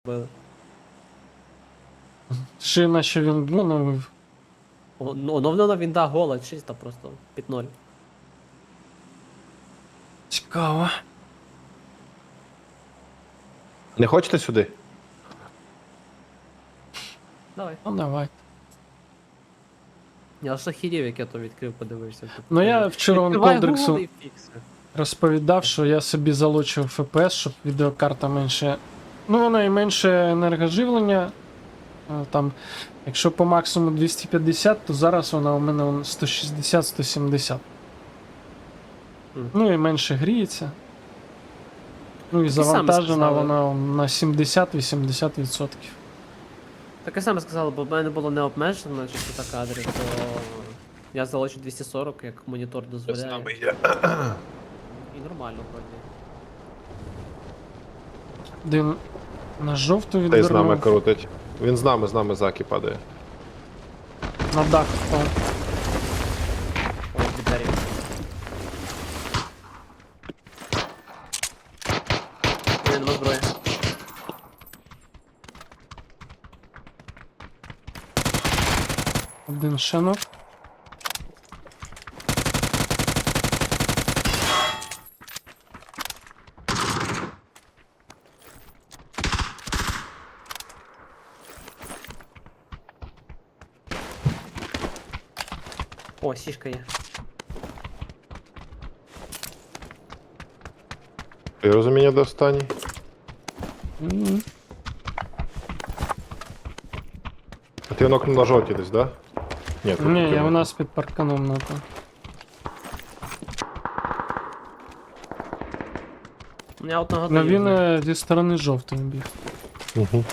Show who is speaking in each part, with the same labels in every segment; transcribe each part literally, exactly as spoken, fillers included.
Speaker 1: Били.
Speaker 2: Ще наче він, ну, ну,
Speaker 1: О, ну, оновлена вінда гола, чисто просто під ноль.
Speaker 2: цікаво.
Speaker 3: Не хочете сюди?
Speaker 1: Давай.
Speaker 2: Ну, давай.
Speaker 1: Я аж охерів, як я то відкрив, подивився. Типу,
Speaker 2: Ну, я вчора вон
Speaker 1: відкривай
Speaker 2: Колдриксу
Speaker 1: Google і фікси.
Speaker 2: розповідав, що я собі залучив еф пі ес, щоб відеокарта менше. Ну, вона і менше енергоживлення. Е, Там, якщо по максимуму двісті п'ятдесят, то зараз вона у мене сто шістдесят - сто сімдесят.
Speaker 1: Мгм.
Speaker 2: Ну і менше гріється. Ну і
Speaker 1: саме
Speaker 2: завантажена
Speaker 1: сказали.
Speaker 2: вона на сімдесят - вісімдесят відсотків.
Speaker 1: Таке саме сказали, бо в мене було не обмежено частота кадрів, то я залучу двісті сорок, як монітор дозволяє.
Speaker 3: є.
Speaker 1: І нормально вроді.
Speaker 2: Один на жовту
Speaker 3: Та й з нами
Speaker 2: відвернув,
Speaker 3: крутить. Він з нами, з нами заки падає.
Speaker 2: на дах впав.
Speaker 1: Ой, від двері. У мене нема зброї.
Speaker 2: Один шенок.
Speaker 1: О, сішка є.
Speaker 3: Ти розуміння до останній?
Speaker 2: М.
Speaker 3: А ти нокнув на жовті десь, да? Ні, тут
Speaker 2: Ні,
Speaker 3: ти
Speaker 2: я у
Speaker 3: нокнув.
Speaker 2: нас під парканом напав.
Speaker 1: У мене одного
Speaker 2: Ну він
Speaker 1: даю.
Speaker 2: е, зі сторони жовтої біг.
Speaker 3: Угу.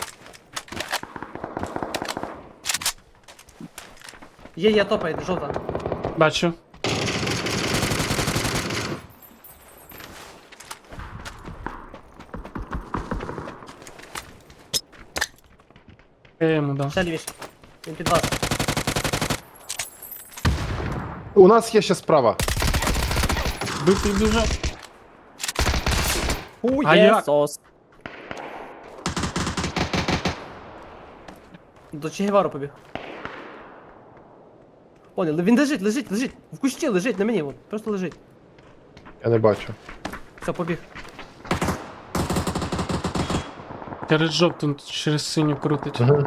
Speaker 1: Є, є, топає, жовта.
Speaker 2: Бачу. Я йому дав.
Speaker 1: Ще лівіше. Він під вас.
Speaker 3: У нас є ще справа.
Speaker 2: Битий дуже.
Speaker 1: У,
Speaker 2: А
Speaker 1: є
Speaker 2: як?
Speaker 1: сос. До Чегевару побіг. Понял, він лежить, лежить, лежить. В кущі лежить, на мені, от, просто лежить.
Speaker 3: Я не бачу.
Speaker 1: Все, побіг.
Speaker 2: Через жовту, через синю крутить.
Speaker 3: Угу.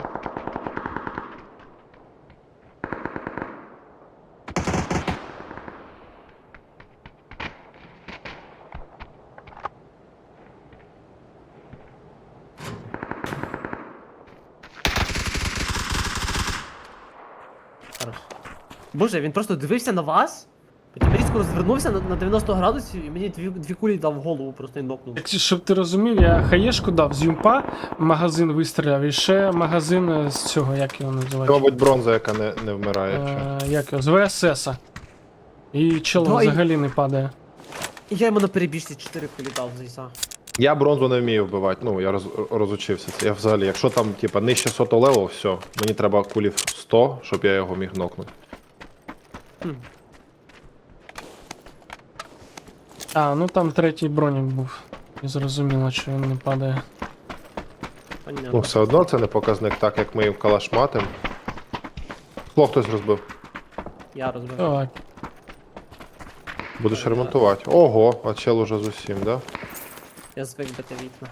Speaker 1: Хорош. Боже, він просто дивився на вас, потім різко розвернувся на, на дев'яносто градусів і мені дві, дві кулі дав в голову, просто і нокнув.
Speaker 2: Так, щоб ти розумів, я хаєшку дав з юмпа, магазин вистріляв, і ще магазин е, з цього, як його
Speaker 3: Це,
Speaker 2: називають?
Speaker 3: мабуть, бронза, яка не, не вмирає. чи?
Speaker 2: Е, як його? З ве ес ес. І чел
Speaker 1: Да, і-
Speaker 2: взагалі не падає.
Speaker 1: І я йому на перебіжці чотири кулі дав з ліса.
Speaker 3: Я бронзу не вмію вбивати, ну я роз, розучився. Це я взагалі, якщо там, типа, нижче сотого левел, все, мені треба кулів сто, щоб я його міг нокнути.
Speaker 1: Хм.
Speaker 2: А, ну там третій бронік був. І зрозуміло, що він не падає.
Speaker 1: Понятно.
Speaker 3: Ну, все одно це не показник, так як ми в калаш матим. Скло хтось розбив.
Speaker 1: Я розбив.
Speaker 2: Так.
Speaker 3: Будеш ремонтувати. Ого, а чел уже з усім, да?
Speaker 1: Я звик бити вікна.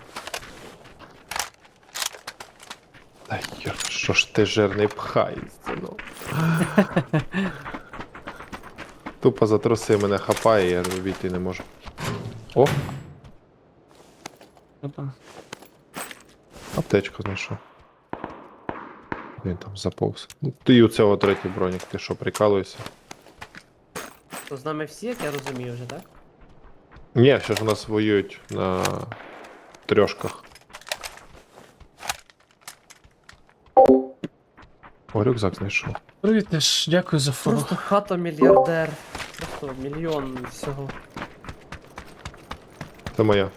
Speaker 3: Та йо, що ж ти жирний пхаєшся, ну. Тупо за труси мене хапає, я війти не можу. О,
Speaker 2: Що там?
Speaker 3: аптечку знайшов. Він там заповз. Ну, ти і у цього третій бронік, ти що, прикалуєшся?
Speaker 1: То з нами всі, як я розумію вже, так?
Speaker 3: Ні, ще ж у нас воюють на трьошках. О, рюкзак знайшов.
Speaker 2: Привіт, теж дякую за фору.
Speaker 1: Просто хата мільярдер. Просто мільйон всього.
Speaker 3: Це моя.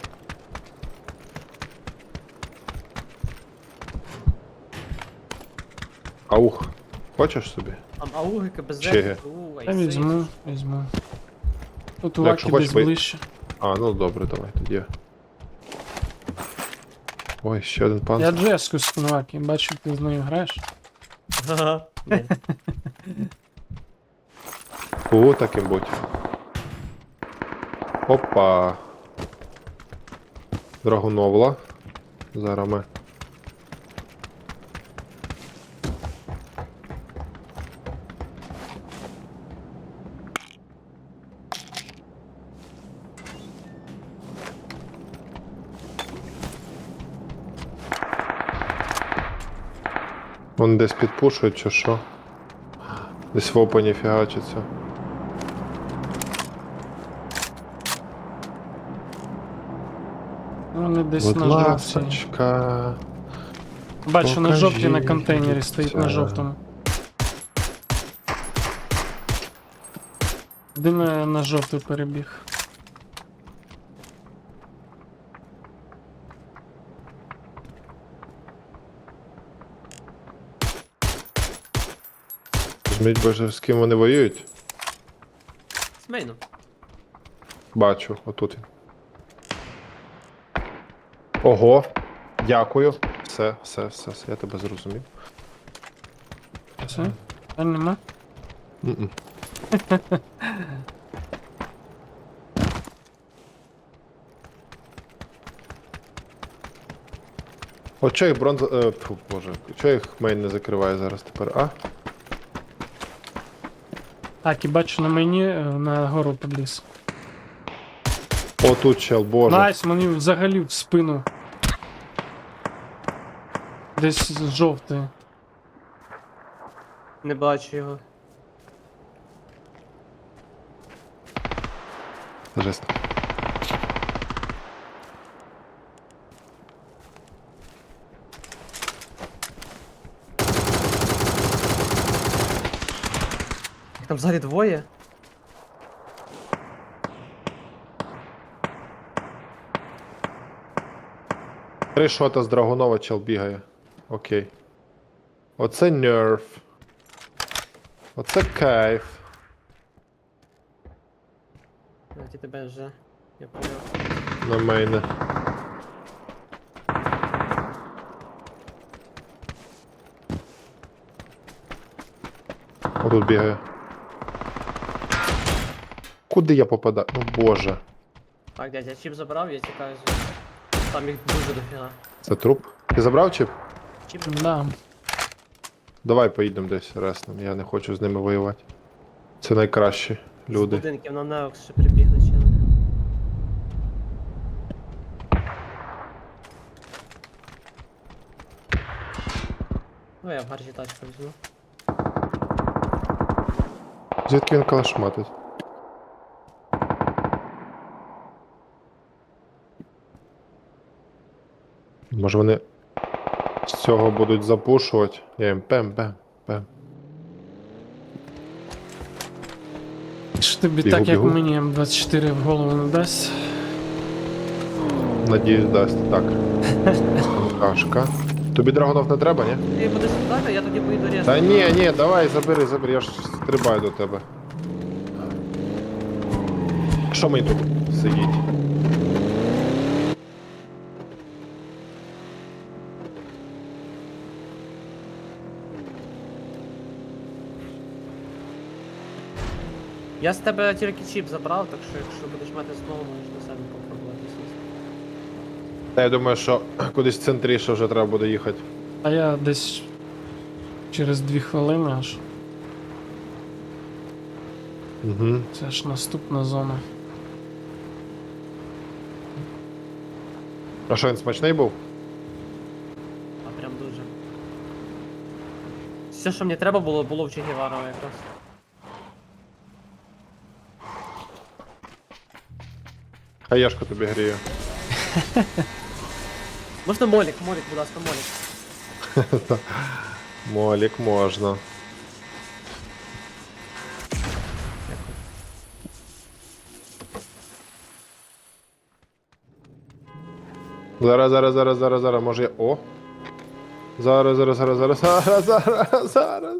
Speaker 3: Аух. Хочеш собі?
Speaker 1: Там ауги, КБЗ,
Speaker 3: Чеги.
Speaker 1: УУ,
Speaker 2: Я
Speaker 1: айси.
Speaker 2: візьму, візьму. Тут у
Speaker 3: Ну, якщо
Speaker 2: Акі десь
Speaker 3: хочеш, ви-
Speaker 2: ближче.
Speaker 3: А, ну добре, давай тоді. Ой, ще один
Speaker 2: Я
Speaker 3: панцир.
Speaker 2: Джеску з Кунваки, бачу, ти з нею граєш.
Speaker 1: Ага. Ні.
Speaker 3: У, таким будь. Опа. Драгуновла. Зараз ми. Вони десь підпушують чи що? Десь в опені фігачиться.
Speaker 2: Вони десь
Speaker 3: Будь
Speaker 2: на жовтій.
Speaker 3: ласочка.
Speaker 2: Бачу, на жовтій на
Speaker 3: покажіть
Speaker 2: контейнері стоїть на
Speaker 3: це.
Speaker 2: жовтому. Один на, на жовтий перебіг.
Speaker 3: Візьміть, боже, з ким вони воюють?
Speaker 1: З мейном.
Speaker 3: Бачу, отут він. Ого, дякую. Все, все, все, все, я тебе зрозумів.
Speaker 2: Все? Та нема?
Speaker 3: М-м. От чого їх бронза... Е, фу, боже, чого їх мейн не закриває зараз тепер, а?
Speaker 2: Так, і бачу на мені е, на гору підліз.
Speaker 3: О, тут чел, боже.
Speaker 2: Найс, мені взагалі в спину. Десь з жовтої.
Speaker 1: Не бачу його.
Speaker 3: Жесть.
Speaker 1: Їх там взагалі двоє.
Speaker 3: Три шота з Драгунова чел бігає. Окей. Оце нерв. Оце кайф.
Speaker 1: Навіть тебе вже. Я поняв.
Speaker 3: На мейне. Отут бігає. Куди я попадаю? Ну боже.
Speaker 1: Так, дядь, я чіп забрав, я тікаю з. Там їх дуже дофіга.
Speaker 3: Це труп. Ти забрав чіп?
Speaker 1: Чіп
Speaker 2: Да.
Speaker 3: Давай поїдемо десь реснем. Я не хочу з ними воювати. Це найкращі
Speaker 1: з
Speaker 3: люди.
Speaker 1: будинків на Неокс ще прибігли чили. Ну я в гаржі тачку візьму.
Speaker 3: Звідки він калашматить? Може вони з цього будуть запушувати? Я їм пем-пем, пем.
Speaker 2: Що тобі
Speaker 3: Бігу,
Speaker 2: так, як
Speaker 3: бігу.
Speaker 2: мені М двадцять чотири в голову не дасть?
Speaker 3: Надіюсь, дасть. Так. Кашка. Тобі драгонов не треба, ні?
Speaker 1: Ти будеш сюди, я тоді поїду різко.
Speaker 3: Та ні, ні, давай, забери, забери, я ж стрибаю до тебе. Що мені тут сидіть?
Speaker 1: Я з тебе тільки чіп забрав, так що якщо будеш мати знову, можеш на себе попробувати сісти.
Speaker 3: Та я думаю, що кудись центріше вже треба буде їхати.
Speaker 2: А я десь через дві хвилини аж.
Speaker 3: Угу.
Speaker 2: Це ж наступна зона.
Speaker 3: А що він смачний був?
Speaker 1: А прям дуже. Все, що мені треба було, було в Че Гевара якраз.
Speaker 3: Хаяшка тобі гріє.
Speaker 1: Можна молік, молік, будь ласка, молік.
Speaker 3: Молік можна.
Speaker 1: Дякую.
Speaker 3: Зараз, зараз, зараз, зараз, зараз, може я. О! Зараз, зараз, зараз, зараз, зараз, зараз, зараз.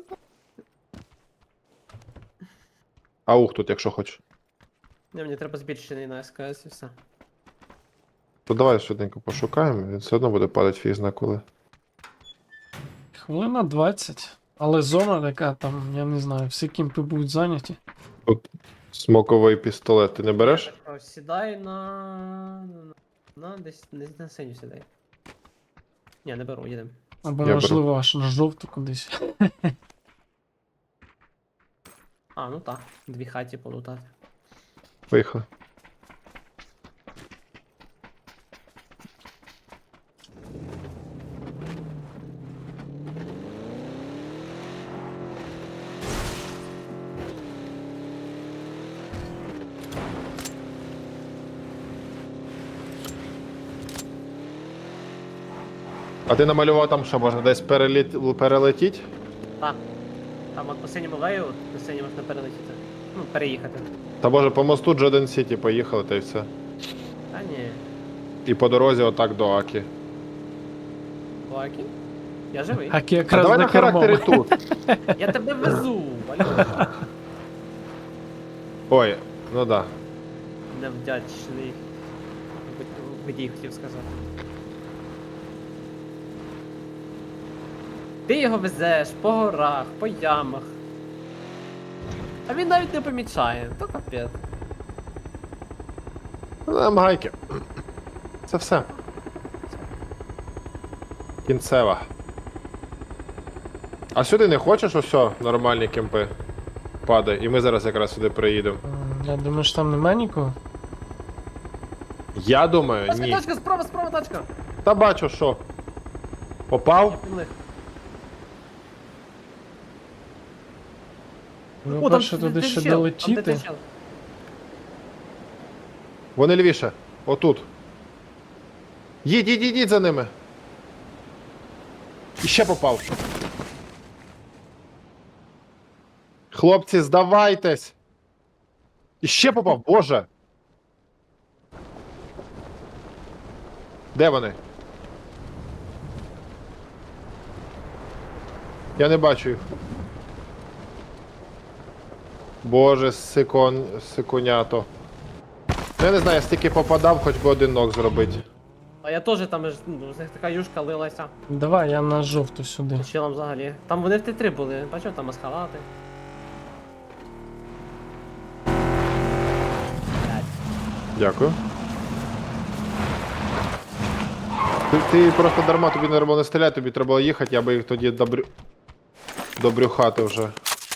Speaker 3: Аух тут, якщо хочеш.
Speaker 1: Не, мені треба збільшений на ес ка ес і все.
Speaker 3: То давай швиденько пошукаємо, він все одно буде падати фіг зна коли.
Speaker 2: Хвилина двадцять. Але зона така там, я не знаю, всі кімпи будуть зайняті.
Speaker 3: Тут смоковий пістолет ти не береш?
Speaker 1: О, Сідай на... на десь не на синю сідай. Ні, не беру, їдемо.
Speaker 2: Або,
Speaker 3: Я
Speaker 2: можливо, аж на жовту кудись.
Speaker 1: А, ну так, дві хаті полутати.
Speaker 3: Поїхали. А ти намалював там, що можна десь переліт... перелетіти?
Speaker 1: Так. Там от по синьому лею, от на синій можна перелетіти. Ну, переїхати.
Speaker 3: Та може по мосту Джоден Сіті поїхали та й все.
Speaker 1: Та ні.
Speaker 3: І по дорозі отак до Акі.
Speaker 1: Лакі? Я живий.
Speaker 2: Акі
Speaker 3: А
Speaker 2: якраз
Speaker 3: давай
Speaker 2: за
Speaker 3: на характері
Speaker 2: кермом.
Speaker 3: тут.
Speaker 1: Я тебе везу, алло.
Speaker 3: Ой, ну да.
Speaker 1: Невдячний водій, хотів сказати. Ти його везеш по горах, по ямах. А він навіть не помічає, то капець.
Speaker 3: Нам гайки. Це все. Кінцева. А сюди не хочеш ось нормальні кемпи? Падай. І ми зараз якраз сюди приїдемо.
Speaker 2: М, Я думаю, що там немає нікого.
Speaker 3: Я думаю,
Speaker 1: Тачка,
Speaker 3: ні.
Speaker 1: тачка, справа, справа тачка.
Speaker 3: Та бачу, що. Попав?
Speaker 1: Пінли.
Speaker 2: Ну,
Speaker 1: О, там
Speaker 2: перше туди
Speaker 1: де
Speaker 2: ще
Speaker 1: чел, там де
Speaker 2: долетіти.
Speaker 1: той чел.
Speaker 3: Вони лівіше. Отут. Їдь, їдь, їдь за ними. І ще попав. Хлопці, здавайтесь. І ще попав, боже. Де вони? Я не бачу їх. Боже, сикон, сиконято. Я не знаю, я стільки попадав, хоч би один ног зробити.
Speaker 1: А я теж там ж, ну, з них така юшка лилася.
Speaker 2: Давай, я на жовту сюди.
Speaker 1: Челом взагалі. Там вони в Т три були, бачив, там масхалати.
Speaker 3: Дякую. Ти, ти просто дарма, тобі не треба не стріляти, тобі треба їхати, я би їх тоді добрю... добрюхати вже.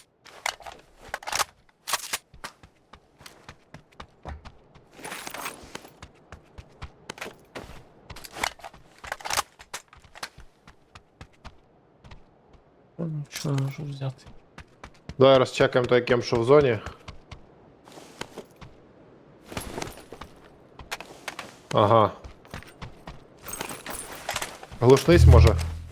Speaker 2: Ну, що я можу взяти?
Speaker 3: Давай розчекаємо той кем, що в зоні. Ага. Глушнись може.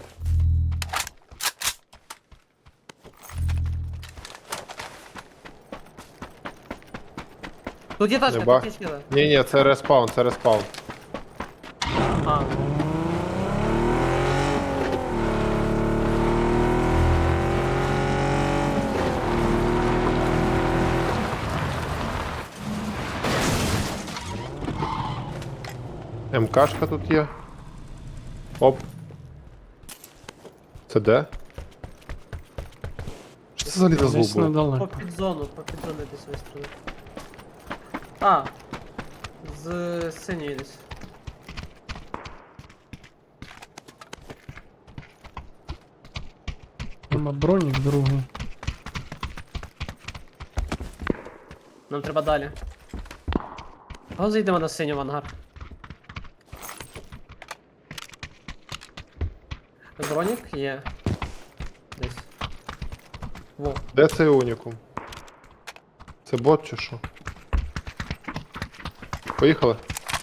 Speaker 1: Тут є тачка,
Speaker 3: Не ба-
Speaker 1: тут є чіли.
Speaker 3: Ні, ні, це респаун, це респаун.
Speaker 1: А,
Speaker 3: МКшка тут є. Оп. Це де? Що це взагалі за звук
Speaker 2: Десь
Speaker 3: був?
Speaker 1: по
Speaker 2: недалеко.
Speaker 1: підзону, по підзону десь вистріли. А, з синьої десь.
Speaker 2: Нема бронік другий.
Speaker 1: Нам треба далі. Го зайдемо на синю в ангар. Бронік є. Десь. Во.
Speaker 3: Де цей унікум? Це бот чи що? Поїхали.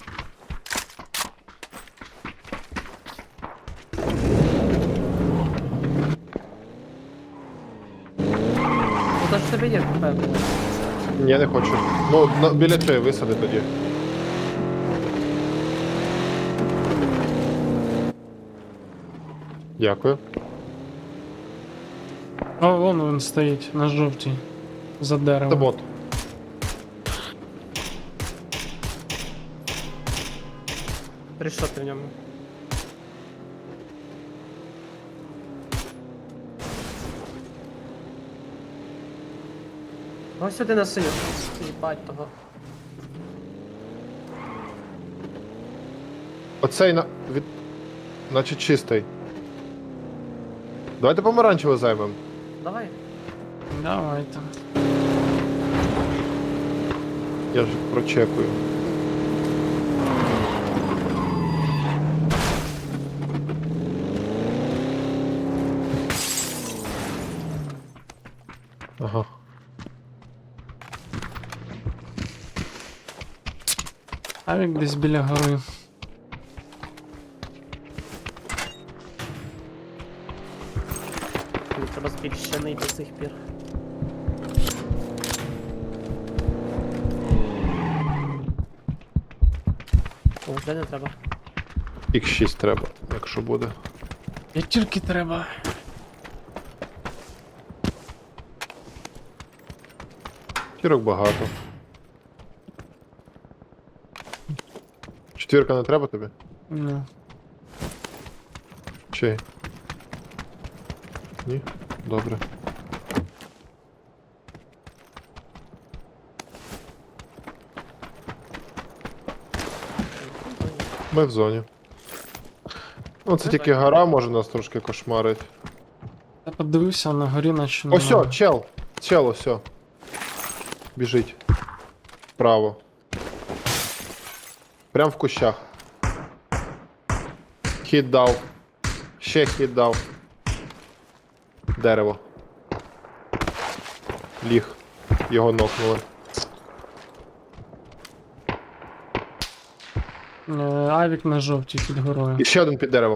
Speaker 1: Ну то ж в тебе є КП було.
Speaker 3: Ні, я не хочу. Ну, на, біля цієї висади тоді. Дякую.
Speaker 2: О, вон він стоїть на жовтій. За
Speaker 3: Це
Speaker 2: деревом.
Speaker 3: бот.
Speaker 1: Три шоти в ньому. Ось сюди на синю. Їбать того.
Speaker 3: Оцей на. Від... Наче чистий. Давайте помаранчево займемо.
Speaker 1: Давай.
Speaker 2: Давайте.
Speaker 3: Я ж прочекую. Ага.
Speaker 2: Авік десь біля гори.
Speaker 1: Мені треба збільшений до сих пір. О, вже не треба.
Speaker 3: ікс шість треба, якщо буде.
Speaker 2: П'ятірки треба.
Speaker 3: Тірок багато. Четвірка не треба тобі?
Speaker 2: Ну.
Speaker 3: Чи? Ні? Добре. Ми в зоні. Ну, це тільки гора може нас трошки кошмарить.
Speaker 2: Я подивився на горі, наче
Speaker 3: Ось,
Speaker 2: немає.
Speaker 3: чел! Чел, ось. Біжить. Вправо. Прям в кущах. Хід дав. Ще хід дав. Дерево. Ліг. Його нокнули.
Speaker 2: Е, Авік на жовтій під горою.
Speaker 3: І ще один під деревом.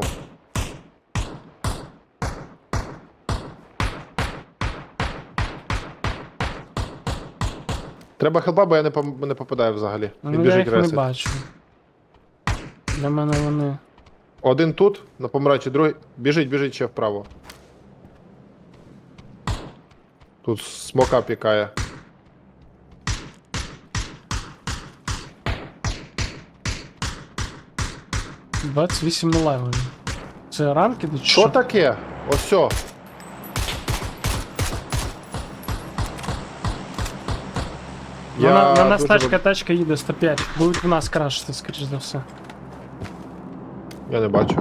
Speaker 3: Треба хелпа, бо я не, пом- не попадаю взагалі. Він
Speaker 2: Ну я
Speaker 3: біжить
Speaker 2: їх не
Speaker 3: ресить.
Speaker 2: бачу. Для мене вони.
Speaker 3: Один тут, на помаранчі, другий. Біжить, біжить ще вправо. Тут смока пікає.
Speaker 2: двадцять вісім левелів. Це ранки чи
Speaker 3: Що таке? Осьо.
Speaker 2: Ну, на, на нас
Speaker 3: дуже
Speaker 2: тачка,
Speaker 3: роб-
Speaker 2: тачка їде сто п'ять. Будуть в нас крашити, скоріш за все.
Speaker 3: Я не бачу.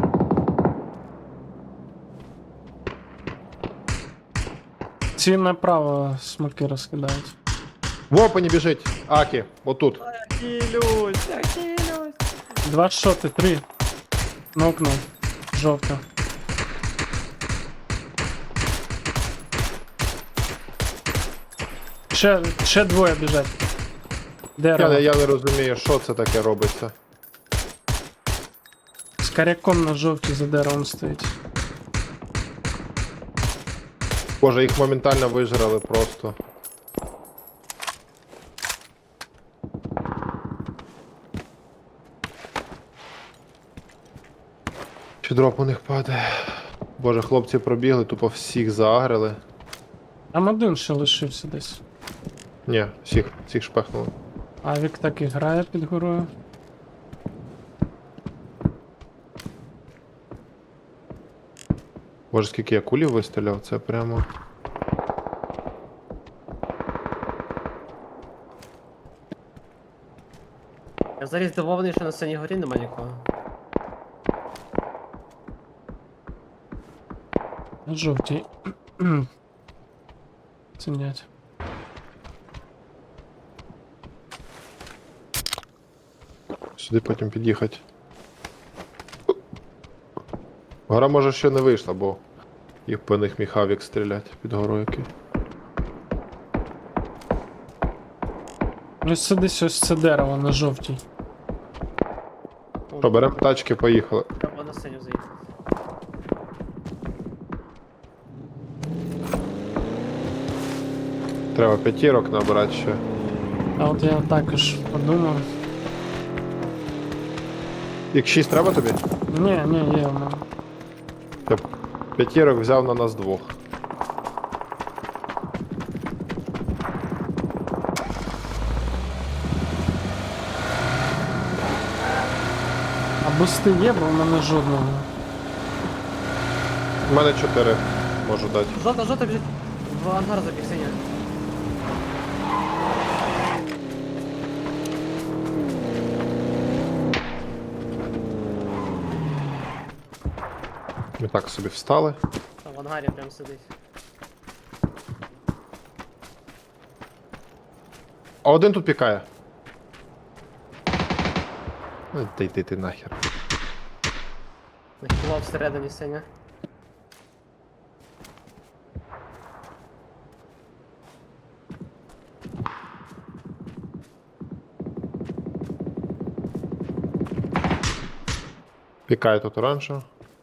Speaker 2: Ці направо смоки розкидають.
Speaker 3: В опені біжить. Акі, отут.
Speaker 1: Кілюсь, я кілюсь.
Speaker 2: Два шоти, три. Нокнув. Жовта. Ще, ще двоє біжать. Дерево.
Speaker 3: Я, я не розумію, що це таке робиться.
Speaker 2: З коряком на жовтій за деревом стоїть.
Speaker 3: Боже, їх моментально вижрали просто. Чи дроп у них падає? Боже, хлопці пробігли, тупо всіх заагрили.
Speaker 2: Там один ще лишився десь.
Speaker 3: Ні, всіх, всіх шпехнули.
Speaker 2: Авік так і грає під горою.
Speaker 3: Боже, скільки я кулів вистріляв, це прямо.
Speaker 1: Я взагалі здивований, що на синій горі нема нікого.
Speaker 2: На жовтій. Цінять.
Speaker 3: Сюди потім під'їхати. Гора може ще не вийшла, бо їх по них міг авік стріляти під горою який.
Speaker 2: Ось це десь ось це дерево на жовтій.
Speaker 3: Що, беремо тачки, поїхали.
Speaker 1: Треба на синю заїхати.
Speaker 3: Треба п'ятірок набирати ще.
Speaker 2: А от я також подумав.
Speaker 3: ікс шість треба тобі?
Speaker 2: Ні, ні, є в мене.
Speaker 3: Я п'ятірок взяв на нас двох.
Speaker 2: А бусти є, бо в мене жодного.
Speaker 3: У мене чотири можу дати.
Speaker 1: Жовта, жовта біжить. В ангар забіг синя.
Speaker 3: Ми так собі встали.
Speaker 1: Там в ангарі прям сидить.
Speaker 3: А один тут пікає. Ну, та йди ти нахер.
Speaker 1: Нахилав всередині синя.
Speaker 3: Пікає тут оранжево.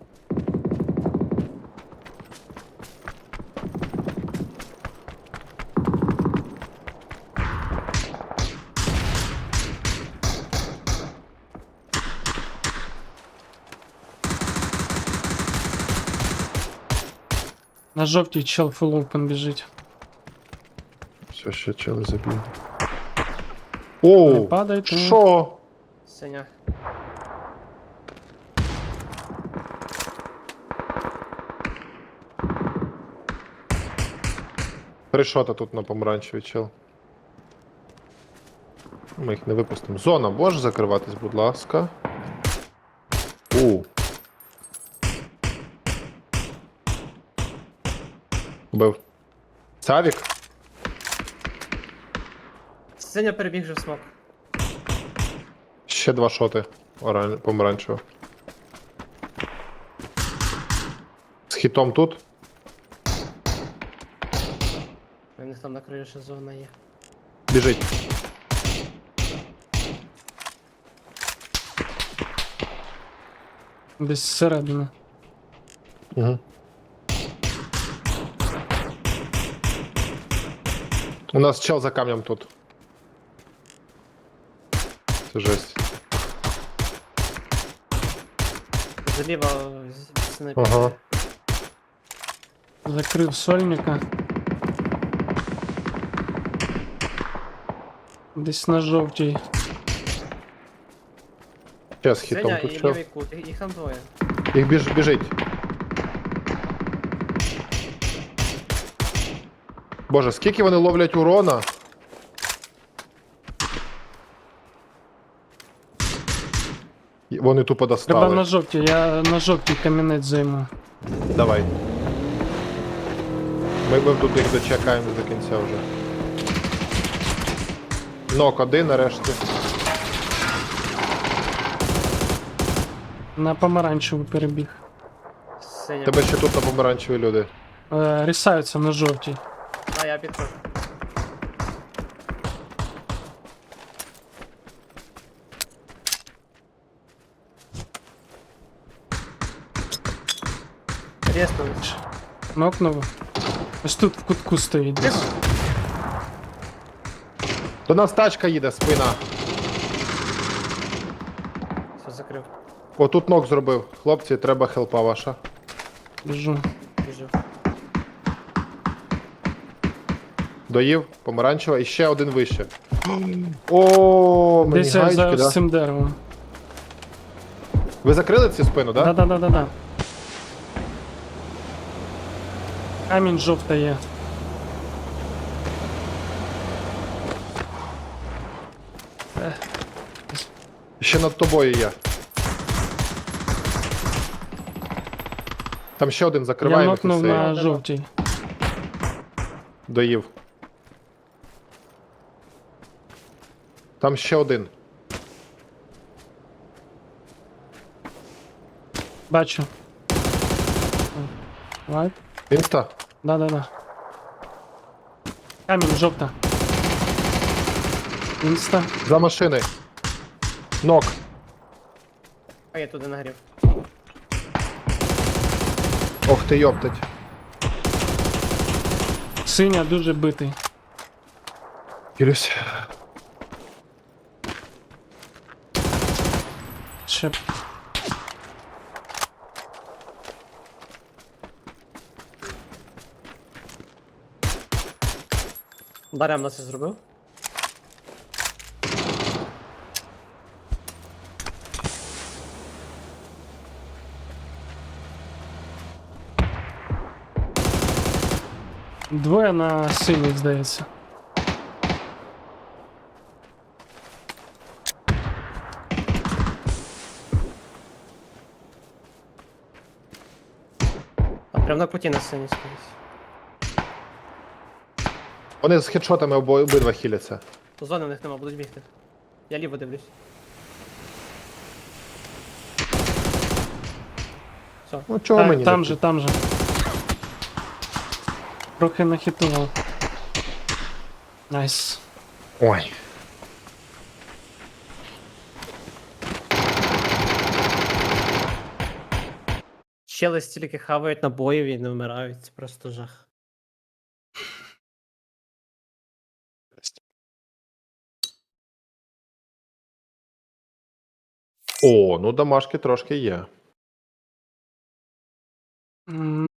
Speaker 2: На жовтій чел full open біжить.
Speaker 3: Все, ще чели забігли.
Speaker 2: Не
Speaker 3: Оу!
Speaker 2: падайте.
Speaker 3: Що?
Speaker 1: Синя.
Speaker 3: Три шота тут на помаранчевий чел. Ми їх не випустимо. Зона, можеш закриватись, будь ласка. У. Бив. Савік?
Speaker 1: Синя перебіг вже в смок.
Speaker 3: Ще два шоти оран... помаранчево. З хітом тут.
Speaker 1: У них там на краю ще зона є.
Speaker 3: Біжить.
Speaker 2: Десь зсередини.
Speaker 3: Угу. У нас чел за камнем тут. Це жесть.
Speaker 1: Заліва снайпер.
Speaker 3: Ага.
Speaker 2: Закрив сольника. Десь на жовтій.
Speaker 3: Ще з хітом
Speaker 1: Синя
Speaker 3: тут
Speaker 1: і
Speaker 3: чел.
Speaker 1: лівий кут, їх їх там двоє.
Speaker 3: Їх біж, біжить. Боже, скільки вони ловлять урона? І Вони тупо
Speaker 2: Треба
Speaker 3: достали.
Speaker 2: на жовтій, я на жовтій камінець займу.
Speaker 3: Давай. Ми, ми тут їх дочекаємо до кінця вже. Нок один нарешті.
Speaker 2: На помаранчеву перебіг.
Speaker 1: Синя.
Speaker 3: Тебе ще тут на помаранчеві люди.
Speaker 2: Е, рісаються на жовтій.
Speaker 1: А, я підходжу. Рєстович.
Speaker 2: Нокнув. Ось тут в кутку стоїть. десь.
Speaker 3: До нас тачка їде, спина.
Speaker 1: Все, закрив.
Speaker 3: Отут нок зробив. Хлопці, треба хелпа ваша.
Speaker 2: Біжу.
Speaker 1: Біжу.
Speaker 3: Доїв, помаранчева і ще один вище. О, мені
Speaker 2: Десь я
Speaker 3: гаєчки,
Speaker 2: за
Speaker 3: да?
Speaker 2: цим деревом.
Speaker 3: Ви закрили цю спину, да?
Speaker 2: Да-да-да-да-да. Камінь жовта є.
Speaker 3: Ще над тобою є. Там ще один
Speaker 2: Я
Speaker 3: закриває.
Speaker 2: нокнув
Speaker 3: Мефісея.
Speaker 2: на жовтій.
Speaker 3: Доїв. Там ще один.
Speaker 2: Бачу. Лайк.
Speaker 3: Інста?
Speaker 2: Да-да-да. Камінь жовта. Інста.
Speaker 3: За машини. Нок.
Speaker 1: А я туди нагрів.
Speaker 3: Ох ти йоптать.
Speaker 2: Синя дуже битий.
Speaker 3: Кірюсь.
Speaker 2: Ще.
Speaker 1: Дарем нас це зробив.
Speaker 2: Двоє на синій, здається.
Speaker 1: А прям на куті на сцені стоїть.
Speaker 3: Вони з хедшотами обо- обидва хіляться.
Speaker 1: Зони в них нема, будуть бігти. Я ліво дивлюсь. Все.
Speaker 3: Ну чого
Speaker 2: Так,
Speaker 3: мені
Speaker 2: там
Speaker 3: не
Speaker 2: же, там же. Трохи нахитував. Найс.
Speaker 3: Ой.
Speaker 1: Чели стільки хавають набоїв і не вмирають. Це просто жах.
Speaker 3: О, ну домашки трошки є.
Speaker 2: М,